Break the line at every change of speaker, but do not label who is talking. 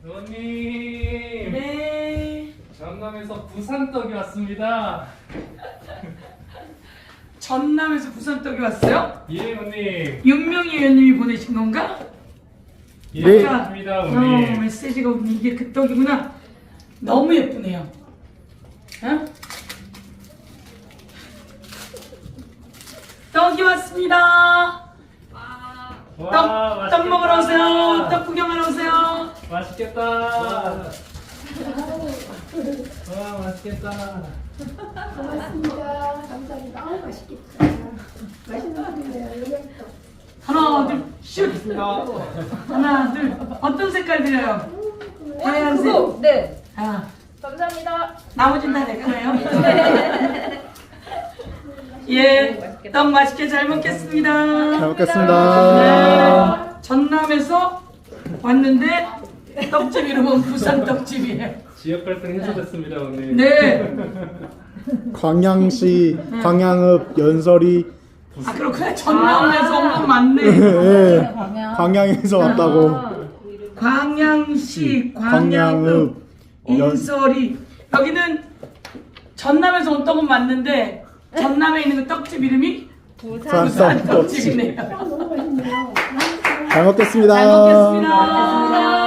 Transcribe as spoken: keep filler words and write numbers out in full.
의원님.
네.
전남에서 부산떡이 왔습니다.
전남에서 부산떡이 왔어요?
예, 의원님.
윤명희 의원님이 보내신 건가?
예,
네.
맞습니다,
어,
의원님.
메시지가 오니 이게 그 떡이구나. 너무 예쁘네요. 어? 떡이 왔습니다.
와,
떡,
맛있겠다.
떡 먹으러 오세요. 떡 구경하러 오세요.
맛있겠다. 와, 맛있겠다.
고맙습니다. 감사합니다. 아우 맛있겠다. 맛있는 분이네요. 여기부터.
하나, 둘, 슛. 하나, 둘. 어떤 색깔 드려요? 하얀색.
그거, 네.
아,
감사합니다.
나머지는 다 내 거예요. 예, 떡 맛있게 잘 먹겠습니다.
잘 먹겠습니다.
네, 전남에서 왔는데 떡집 이름은 부산 떡집이에요.
지역 갈등 해소됐습니다, 의원님.
네.
광양시 광양읍 연설이
아 그렇구나. 전남에서 온 건 맞네.
예, 광양에서 왔다고.
광양시
광양읍
광양읍 인설이 여기는 전남에서 온 떡은 맞는데 전남에 있는 그 떡집 이름이
부산
부산
떡집.
떡집이네요.
너무 맛있네요.
잘 먹겠습니다.
잘 먹겠습니다.